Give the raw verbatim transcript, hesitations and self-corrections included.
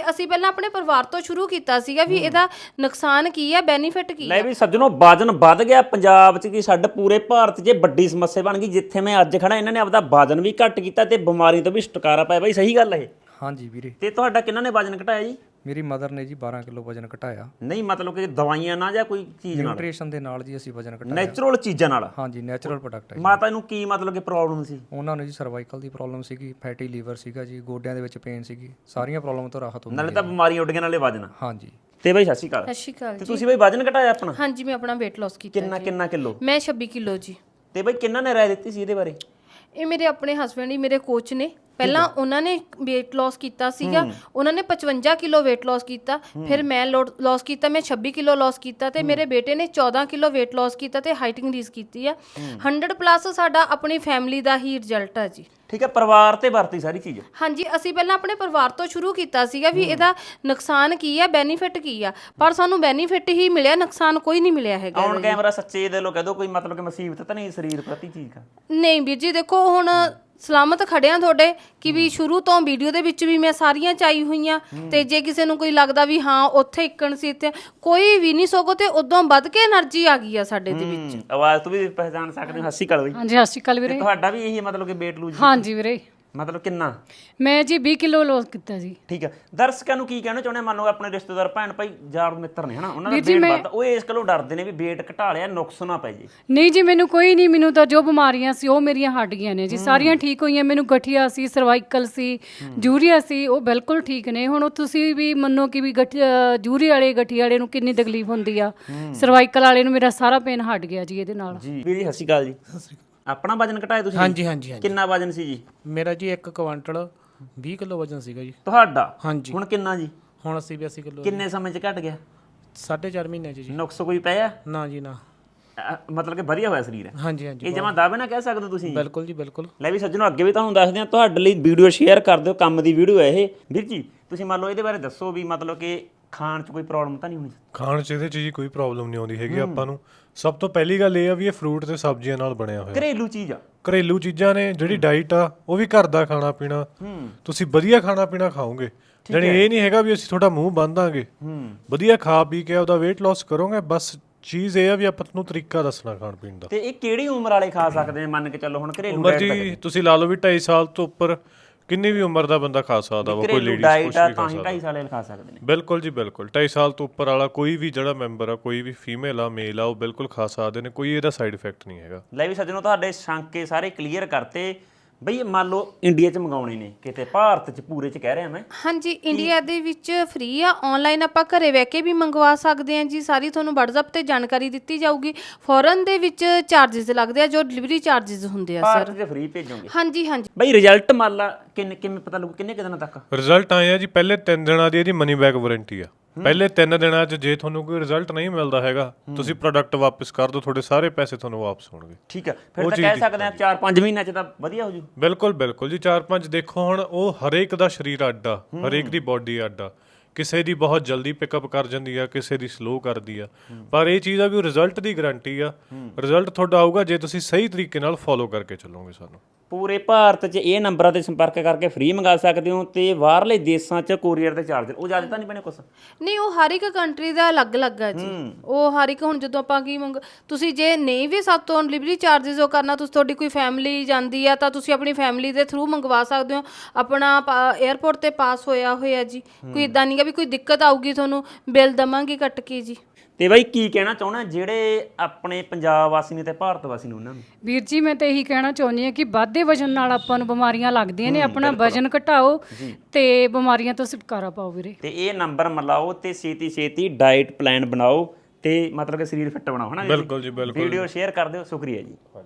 ਅਸੀਂ ਪਹਿਲਾਂ ਆਪਣੇ ਪਰਿਵਾਰ ਤੋਂ ਸ਼ੁਰੂ ਕੀਤਾ ਸੀਗਾ ਵੀ ਇਹਦਾ ਨੁਕਸਾਨ ਕੀ ਹੈ, ਬੈਨੀਫਿਟ ਕੀ ਲੈ ਹੈ। ਵੀ ਸੱਜਣੋ, ਵਜਨ ਵੱਧ ਗਿਆ ਪੰਜਾਬ 'ਚ ਕੀ ਸਾਡੇ ਪੂਰੇ ਭਾਰਤ 'ਚ ਵੱਡੀ ਸਮੱਸਿਆ ਬਣ ਗਈ। ਜਿੱਥੇ ਮੈਂ ਅੱਜ ਖੜਾ ਇਹਨਾਂ ਨੇ ਆਪਦਾ ਵਜਨ ਵੀ ਘੱਟ ਕੀਤਾ ਤੇ ਬਿਮਾਰੀ ਤੋਂ ਵੀ ਛੁਟਕਾਰਾ ਪਾਇਆ। ਬਾਈ ਸਹੀ ਗੱਲ ਇਹ? ਹਾਂਜੀ ਵੀਰੇ। ਤੇ ਤੁਹਾਡਾ ਕਿਹਨਾਂ ਨੇ ਵਜਨ ਘਟਾਇਆ ਜੀ? ਮੇਰੀ ਮਦਰ ਨੇ ਜੀ ਬਾਰਾਂ ਕਿਲੋ ਵਜਨ ਘਟਾਇਆ। ਨਹੀਂ ਮਤਲਬ ਕਿ ਦਵਾਈਆਂ ਨਾਲ ਜਾਂ ਕੋਈ ਚੀਜ਼ ਨਾਲ? ਨਿਊਟ੍ਰੀਸ਼ਨ ਦੇ ਨਾਲ ਜੀ ਅਸੀਂ ਵਜਨ ਘਟਾਇਆ। ਨੈਚੁਰਲ ਚੀਜ਼ਾਂ ਨਾਲ? ਹਾਂਜੀ, ਨੈਚੁਰਲ ਪ੍ਰੋਡਕਟ ਹੈ। ਮਾਤਾ ਨੂੰ ਕੀ ਮਤਲਬ ਕਿ ਪ੍ਰੋਬਲਮ ਸੀ? ਉਹਨਾਂ ਨੂੰ ਜੀ ਸਰਵਾਈਕਲ ਦੀ ਪ੍ਰੋਬਲਮ ਸੀਗੀ, ਫੈਟੀ ਲੀਵਰ ਸੀਗਾ ਜੀ, ਗੋਡਿਆਂ ਦੇ ਵਿੱਚ ਪੇਨ ਸੀਗੀ, ਸਾਰੀਆਂ ਪ੍ਰੋਬਲਮ ਤੋਂ ਰਾਹਤ ਹੁੰਦੀ ਨਾਲੇ ਤਾਂ ਬਿਮਾਰੀਆਂ ਉੱਡ ਗਈਆਂ ਨਾਲੇ ਵਜਨ। ਹਾਂਜੀ। ਤੇ ਬਾਈ ਸਤਿ ਸ਼੍ਰੀ ਅਕਾਲ। ਸਤਿ ਸ਼੍ਰੀ ਅਕਾਲ ਤੇ ਜੀ। ਤੁਸੀਂ ਬਾਈ ਵਜਨ ਘਟਾਇਆ ਆਪਣਾ? ਹਾਂਜੀ, ਮੈਂ ਆਪਣਾ weight loss ਕੀਤਾ। ਕਿੰਨਾ ਕਿੰਨਾ ਕਿਲੋ? ਮੈਂ ਛੱਬੀ ਕਿਲੋ ਜੀ। ਤੇ ਬਾਈ ਕਿੰਨਾਂ ਨੇ ਰਾਏ ਦਿੱਤੀ ਸੀ ਇਹਦੇ ਬਾਰੇ? ਇਹ ਮੇਰੇ ਆਪਣੇ ਹਸਬੰਡ ਹੀ ਮੇਰੇ ਕੋਚ ਨੇ। ਪਹਿਲਾਂ ਉਹਨਾਂ ਨੇ weight loss ਕੀਤਾ ਸੀਗਾ, ਉਹਨਾਂ ਨੇ ਪਚਵੰਜਾ ਕਿਲੋ weight loss ਕੀਤਾ, ਫਿਰ ਮੈਂ loss ਕੀਤਾ, ਮੈਂ ਛੱਬੀ ਕਿਲੋ loss ਕੀਤਾ ਤੇ ਮੇਰੇ ਬੇਟੇ ਨੇ ਚੌਦਾਂ ਕਿਲੋ weight loss ਕੀਤਾ ਤੇ ਹਾਈਟ ਇੰਕਰੀਜ਼ ਕੀਤੀ ਆ। ਹੰਡਰਡ ਪਲੱਸ ਸਾਡਾ ਆਪਣੀ ਫੈਮਿਲੀ ਦਾ ਹੀ ਰਿਜ਼ਲਟ ਆ ਜੀ। ਠੀਕ ਹੈ, ਪਰਿਵਾਰ ਤੇ ਵਰਤੀ ਸਾਰੀ ਚੀਜ਼? ਹਾਂਜੀ, ਅਸੀਂ ਪਹਿਲਾਂ ਆਪਣੇ ਪਰਿਵਾਰ ਤੋਂ ਸ਼ੁਰੂ ਕੀਤਾ ਸੀਗਾ ਵੀ ਇਹਦਾ ਨੁਕਸਾਨ ਕੀ ਹੈ, ਬੈਨੀਫਿਟ ਕੀ ਆ, ਪਰ ਸਾਨੂੰ ਬੈਨੀਫਿਟ ਹੀ ਮਿਲਿਆ, ਨੁਕਸਾਨ ਕੋਈ ਨਹੀਂ ਮਿਲਿਆ ਹੈਗਾ। ਔਨ ਕੈਮਰਾ ਸੱਚੇ ਦਿਲੋਂ ਕਹਿ ਦੋ, ਕੋਈ ਮਤਲਬ ਕਿ ਮੁਸੀਬਤ ਤਾਂ ਨਹੀਂ ਸਰੀਰ ਪ੍ਰਤੀ ਚੀਜ਼ ਦਾ? ਨਹੀਂ ਵੀਰ ਜੀ, ਦੇਖੋ ਹੁਣ ਸਲਾਮਤ ਖੜਿਆ ਤੁਹਾਡੇ ਕਿ ਵੀ ਸ਼ੁਰੂ ਤੋਂ ਵੀਡੀਓ ਦੇ ਵਿੱਚ ਵੀ ਮੈਂ ਸਾਰੀਆਂ ਚਾਈ ਹੋਈਆਂ ਤੇ ਜੇ ਕਿਸੇ ਨੂੰ ਕੋਈ ਲੱਗਦਾ ਵੀ ਹਾਂ ਉੱਥੇ ਇੱਕਣ ਸੀ ਤੇ ਕੋਈ ਵੀ ਨਹੀਂ, ਸਗੋਂ ਤੇ ਉਦੋਂ ਵੱਧ ਕੇ એનર્ਜੀ ਆ ਗਈ ਆ ਸਾਡੇ ਦੇ ਵਿੱਚ। ਆਵਾਜ਼ ਤੋਂ ਵੀ ਪਹਿਚਾਨ ਸਕਦੇ ਹੋ। ਸਤਿ ਸ਼੍ਰੀ ਅਕਾਲ ਬਈ। ਹਾਂਜੀ, ਸਤਿ ਸ਼੍ਰੀ ਅਕਾਲ ਵੀਰੇ। ਤੁਹਾਡਾ ਵੀ ਇਹੀ ਮਤਲਬ ਕਿ weight lose? ਹਾਂਜੀ ਵੀਰੇ। ਮਤਲਬ ਕਿੰਨਾ? ਮੈਂ ਜੀ ਵੀਹ ਕਿਲੋ ਲੋਸ ਕੀਤਾ ਜੀ। ਠੀਕ ਹੈ, ਦਰਸ਼ਕਾਂ ਨੂੰ ਕੀ ਕਹਿਣਾ ਚਾਹੁੰਦੇ? ਮੰਨ ਲਓ ਆਪਣੇ ਰਿਸ਼ਤੇਦਾਰ ਭੈਣ ਭਾਈ ਯਾਰ ਮਿੱਤਰ ਨੇ ਹਨਾ, ਉਹਨਾਂ ਦਾ weight ਵੱਧਦਾ, ਉਹ ਇਸ ਗੱਲੋਂ ਡਰਦੇ ਨੇ ਵੀ weight ਘਟਾ ਲਿਆ ਨੁਕਸ ਨਾ ਪੈ ਜੇ। ਨਹੀਂ ਜੀ, ਮੈਨੂੰ ਕੋਈ ਨਹੀਂ, ਮੈਨੂੰ ਤਾਂ ਜੋ ਬਿਮਾਰੀਆਂ ਸੀ ਉਹ ਮੇਰੀਆਂ ਹਟ ਗਈਆਂ ਨੇ ਜੀ, ਸਾਰੀਆਂ ਠੀਕ ਹੋਈਆਂ। ਮੈਨੂੰ ਗਠੀਆ ਸੀ, ਸਰਵਾਈਕਲ ਸੀ, ਜੂਰੀਆ ਸੀ, ਉਹ ਬਿਲਕੁਲ ਠੀਕ ਨੇ। ਹੁਣ ਤੁਸੀਂ ਵੀ ਮੰਨੋ ਕਿ ਵੀ ਗਠ ਜੂਰੀ ਵਾਲੇ ਗਠੀਆ ਵਾਲੇ ਨੂੰ ਕਿੰਨੀ ਤਕਲੀਫ ਹੁੰਦੀ ਆ, ਸਰਵਾਈਕਲ ਵਾਲੇ ਨੂੰ ਮੇਰਾ ਸਾਰਾ ਪੇਨ ਹਟ ਗਿਆ ਜੀ ਇਹਦੇ ਨਾਲ। ਜੀ ਵੀਰ ਜੀ ਸਤਿ ਸ਼੍ਰੀ ਅਕਾਲ ਜੀ। ਸਤਿ ਸ਼੍ਰੀ ਅਕਾਲ। ਆਪਣਾ ਵਜਨ ਘਟਾਇਆ ਤੁਸੀਂ? ਹਾਂਜੀ ਹਾਂਜੀ ਹਾਂਜੀ। ਕਿੰਨਾ ਵਜਨ ਸੀ ਜੀ? ਮੇਰਾ ਜੀ ਇੱਕ ਕੁਆਂਟਲ ਵੀਹ ਕਿਲੋ ਵਜਨ ਸੀਗਾ ਜੀ। ਤੁਹਾਡਾ? ਹਾਂਜੀ। ਹੁਣ ਕਿੰਨਾ ਜੀ? ਹੁਣ ਅੱਸੀ ਬਿਆਸੀ ਕਿਲੋ। ਕਿੰਨੇ ਸਮੇਂ 'ਚ ਘਟ ਗਿਆ? ਸਾਢੇ ਚਾਰ ਮਹੀਨਿਆਂ 'ਚ ਜੀ। ਨੁਕਸ ਕੋਈ ਪਿਆ? ਨਾ ਜੀ ਨਾ। ਅ, ਮਤਲਬ ਕਿ ਵਧੀਆ ਹੋਇਆ ਸਰੀਰ? ਹਾਂਜੀ ਹਾਂਜੀ। ਇਹ ਜਮਾਂ ਦਾਅਵੇ ਨਾ ਕਹਿ ਸਕਦੇ ਹੋ ਤੁਸੀਂ? ਬਿਲਕੁਲ ਜੀ ਬਿਲਕੁਲ। ਲੈ ਵੀ ਸੱਜਣੋ, ਅੱਗੇ ਵੀ ਤੁਹਾਨੂੰ ਦੱਸਦੇ ਹਾਂ, ਤੁਹਾਡੇ ਲਈ ਵੀਡੀਓ ਸ਼ੇਅਰ ਕਰ ਦਿਓ, ਕੰਮ ਦੀ ਵੀਡੀਓ ਹੈ ਇਹ। ਵੀਰ ਜੀ ਤੁਸੀਂ ਮੰਨ ਲਓ ਇਹਦੇ ਬਾਰੇ ਦੱਸੋ ਵੀ ਮਤਲਬ ਕਿ ਖਾਣ 'ਚ ਕੋਈ ਪ੍ਰੋਬਲਮ ਤਾਂ ਨਹੀਂ ਹੋਣੀ? ਖਾਣ 'ਚ ਇਹਦੇ 'ਚ ਜੀ ਕੋਈ ਪ੍ਰੋਬਲਮ ਨਹੀਂ ਆਉਂਦੀ ਹੈਗੀ ਆਪਾਂ ਨੂੰ। ਸਭ ਤੋਂ ਪਹਿਲੀ ਗੱਲ ਇਹ ਆ ਵੀ ਇਹ ਫਰੂਟ ਤੇ ਸਬਜ਼ੀਆਂ ਨਾਲ ਬਣਿਆ ਹੋਇਆ। ਘਰੇਲੂ ਚੀਜ਼ ਆ? ਘਰੇਲੂ ਚੀਜ਼ਾਂ ਨੇ। ਜਿਹੜੀ ਡਾਈਟ ਆ ਉਹ ਵੀ ਘਰ ਦਾ ਖਾਣਾ ਪੀਣਾ, ਤੁਸੀਂ ਵਧੀਆ ਖਾਣਾ ਪੀਣਾ ਖਾਓਗੇ। ਜਾਣੀ ਇਹ ਨਹੀਂ ਹੈਗਾ ਵੀ ਅਸੀਂ ਤੁਹਾਡਾ ਮੂੰਹ ਬੰਨ ਦਾਂਗੇ। ਵਧੀਆ ਖਾ ਪੀ ਕੇ ਉਹਦਾ weight loss ਕਰੋਗੇ। ਬਸ ਚੀਜ਼ ਇਹ ਆ ਵੀ ਆਪਾਂ ਨੂੰ ਤਰੀਕਾ ਦੱਸਣਾ ਖਾਣ ਪੀਣ ਦਾ। ਤੇ ਇਹ ਕਿਹੜੀ ਉਮਰ ਵਾਲੇ ਖਾ ਸਕਦੇ ਨੇ? ਮੰਨ ਕੇ ਚੱਲੋ ਹੁਣ ਘਰੇਲੂ ਉਮਰ ਜੀ ਤੁਸੀਂ ਲਾ ਲਓ ਵੀ ਢਾਈ ਸਾਲ ਤੋਂ ਉੱਪਰ ਕਿੰਨੀ ਵੀ ਉਮਰ ਦਾ ਬੰਦਾ ਖਾ ਸਕਦਾ ਵਾ। ਕੋਈ ਲੇਡੀਜ਼ ਕੁਛ ਵੀ ਖਾ ਸਕਦਾ। ਢਾਈ ਸਾਲ ਵਾਲੇ ਖਾ ਸਕਦੇ ਨੇ? ਬਿਲਕੁਲ ਜੀ ਬਿਲਕੁਲ। ਢਾਈ ਸਾਲ ਤੋਂ ਉੱਪਰ ਵਾਲਾ ਕੋਈ ਵੀ ਜਿਹੜਾ ਮੈਂਬਰ ਆ, ਕੋਈ ਵੀ ਫੀਮੇਲ ਆ ਮੇਲ ਆ, ਉਹ ਬਿਲਕੁਲ ਖਾ ਸਕਦੇ ਨੇ। ਕੋਈ ਇਹਦਾ ਸਾਈਡ ਇਫੈਕਟ ਨਹੀਂ ਹੈਗਾ। ਲੈ ਵੀ ਸੱਜਣੋ, ਤੁਹਾਡੇ ਸ਼ੰਕੇ ਸਾਰੇ ਕਲੀਅਰ ਕਰਤੇ। ਬਈ ਮੰਨ ਲਓ ਇੰਡੀਆ 'ਚ ਮੰਗਾਉਣੇ ਨੇ, ਕਿਤੇ ਭਾਰਤ 'ਚ ਪੂਰੇ 'ਚ ਕਹਿ ਰਿਹਾ ਮੈਂ। ਹਾਂਜੀ, ਇੰਡੀਆ ਦੇ ਵਿੱਚ ਫ੍ਰੀ ਆ, ਆਨਲਾਈਨ ਆਪਾਂ ਘਰੇ ਬਹਿ ਕੇ ਵੀ ਮੰਗਵਾ ਸਕਦੇ ਹਾਂ ਜੀ। ਸਾਰੀ ਤੁਹਾਨੂੰ WhatsApp ਤੇ ਜਾਣਕਾਰੀ ਦਿੱਤੀ ਜਾਊਗੀ। ਫੋਰਨ ਦੇ ਵਿੱਚ ਚਾਰजेस ਲੱਗਦੇ ਆ, ਜੋ ਡਿਲੀਵਰੀ ਚਾਰजेस ਹੁੰਦੇ ਆ ਸਰ। ਭਾਰਤ 'ਚ ਫ੍ਰੀ ਭੇਜੋਗੇ? ਹਾਂਜੀ ਹਾਂਜੀ। ਬਈ ਰਿਜ਼ਲਟ ਮੰਨ ਲਾ ਕਿੰਨੇ ਕਿਵੇਂ ਪਤਾ ਲੱਗੂ, ਕਿੰਨੇ ਕੁ ਦਿਨਾਂ ਤੱਕ ਰਿਜ਼ਲਟ ਆਏ ਆ ਜੀ? ਪਹਿਲੇ ਤਿੰਨ ਦਿਨਾਂ ਦੀ ਇਹਦੀ ਮਨੀ ਬੈਕ ਵਾਰੰਟੀ ਆ। ਪਹਿਲੇ ਤਿੰਨ ਦਿਨਾਂ 'ਚ ਜੇ ਤੁਹਾਨੂੰ ਕੋਈ ਰਿਜ਼ਲਟ ਨਹੀਂ ਮਿਲਦਾ ਹੈਗਾ, ਤੁਸੀਂ ਪ੍ਰੋਡਕਟ ਵਾਪਸ ਕਰ ਦਿਓ, ਤੁਹਾਡੇ ਸਾਰੇ ਪੈਸੇ ਤੁਹਾਨੂੰ ਵਾਪਸ ਹੋਣਗੇ। ਠੀਕ ਆ, ਫਿਰ ਤਾਂ ਕਹਿ ਸਕਦੇ ਆ ਚਾਰ ਪੰਜ ਮਹੀਨਿਆਂ 'ਚ ਤਾਂ ਵਧੀਆ ਹੋ ਜੂ। ਬਿਲਕੁਲ ਬਿਲਕੁਲ ਜੀ। ਚਾਰ ਪੰਜ ਦੇਖੋ, ਹੁਣ ਉਹ ਹਰੇਕ ਦਾ ਸਰੀਰ ਅੱਡ ਆ, ਹਰੇਕ ਦੀ ਬਾਡੀ ਅੱਡ ਆ। ਕਿਸੇ ਦੀ ਬਹੁਤ ਜਲਦੀ ਪਿਕਅਪ ਕਰ ਜਾਂਦੀ ਆ, ਕਿਸੇ ਦੀ ਸਲੋ ਕਰਦੀ ਆ। ਪਰ ਇਹ ਚੀਜ਼ ਆ ਵੀ ਰਿਜ਼ਲਟ ਦੀ ਗਾਰੰਟੀ ਆ। ਰਿਜ਼ਲਟ ਤੁਹਾਡਾ ਆਊਗਾ ਜੇ ਤੁਸੀਂ ਸਹੀ ਤਰੀਕੇ ਨਾਲ ਫੋਲੋ ਕਰਕੇ ਚੱਲੋਗੇ ਸਾਨੂੰ। ਪੂਰੇ ਭਾਰਤ 'ਚ ਇਹ ਨੰਬਰਾਂ ਤੇ ਸੰਪਰਕ ਕਰਕੇ ਫ੍ਰੀ ਮੰਗਾ ਸਕਦੇ ਹੋ। ਤੇ ਬਾਹਰਲੇ ਦੇਸ਼ਾਂ 'ਚ ਕੋਰੀਅਰ ਦੇ ਚਾਰਜ ਉਹ ਜ਼ਿਆਦਾ ਤਾਂ ਨਹੀਂ ਪੈਣੇ ਕੁਛ? ਨਹੀਂ, ਉਹ ਹਰ ਇੱਕ ਕੰਟਰੀ ਦਾ ਅਲੱਗ-ਅਲੱਗ ਆ ਜੀ। ਉਹ ਹਰ ਇੱਕ, ਹੁਣ ਜਦੋਂ ਆਪਾਂ ਕੀ ਮੰਗ ਤੁਸੀਂ ਜੇ ਨਹੀਂ ਵੀ ਸਭ ਤੋਂ ਡਿਲੀਵਰੀ ਚਾਰजेस ਉਹ ਕਰਨਾ, ਤੁਸੀਂ ਤੁਹਾਡੀ ਕੋਈ ਫੈਮਿਲੀ ਜਾਂਦੀ ਆ ਤਾਂ ਤੁਸੀਂ ਆਪਣੀ ਫੈਮਿਲੀ ਦੇ ਥਰੂ ਮੰਗਵਾ ਸਕਦੇ ਹੋ। ਆਪਣਾ 에ਅਰਪੋਰਟ ਤੇ ਪਾਸ ਹੋਇਆ ਹੋਇਆ ਜੀ। ਕੋਈ ਇਦਾਂ ਨਹੀਂ ਗਾ ਵੀ ਕੋਈ ਦਿੱਕਤ ਆਊਗੀ, ਤੁਹਾਨੂੰ ਬਿੱਲ ਦਵਾਂਗੇ ਕੱਟ ਕੇ ਜੀ। ਤੇ ਬਾਈ ਕੀ ਕਹਿਣਾ ਚਾਹੁੰਦਾ ਜਿਹੜੇ ਆਪਣੇ ਪੰਜਾਬ ਵਾਸੀ ਨੇ ਤੇ ਭਾਰਤ ਵਾਸੀ ਨੇ ਉਹਨਾਂ ਨੂੰ? ਵੀਰ ਜੀ ਮੈਂ ਤਾਂ ਇਹੀ ਕਹਿਣਾ ਚਾਹੁੰਦੀ ਹਾਂ ਕਿ ਵਾਧੇ ਵਜਨ ਨਾਲ ਆਪਾਂ ਨੂੰ ਬਿਮਾਰੀਆਂ ਲੱਗਦੀਆਂ ਨੇ। ਆਪਣਾ ਵਜਨ ਘਟਾਓ ਤੇ ਬਿਮਾਰੀਆਂ ਤੋਂ ਛੁਟਕਾਰਾ ਪਾਓ ਵੀਰੇ। ਤੇ ਇਹ ਨੰਬਰ ਮਿਲਾਓ ਤੇ ਛੇਤੀ ਛੇਤੀ ਡਾਈਟ ਪਲਾਨ ਬਣਾਓ ਤੇ ਮਤਲਬ ਕਿ ਸਰੀਰ ਫਿੱਟ ਬਣਾਓ, ਹਨਾ? ਬਿਲਕੁਲ ਜੀ ਬਿਲਕੁਲ। ਵੀਡੀਓ ਸ਼ੇਅਰ ਕਰ ਦਿਓ। ਸ਼ੁਕਰੀਆ ਜੀ।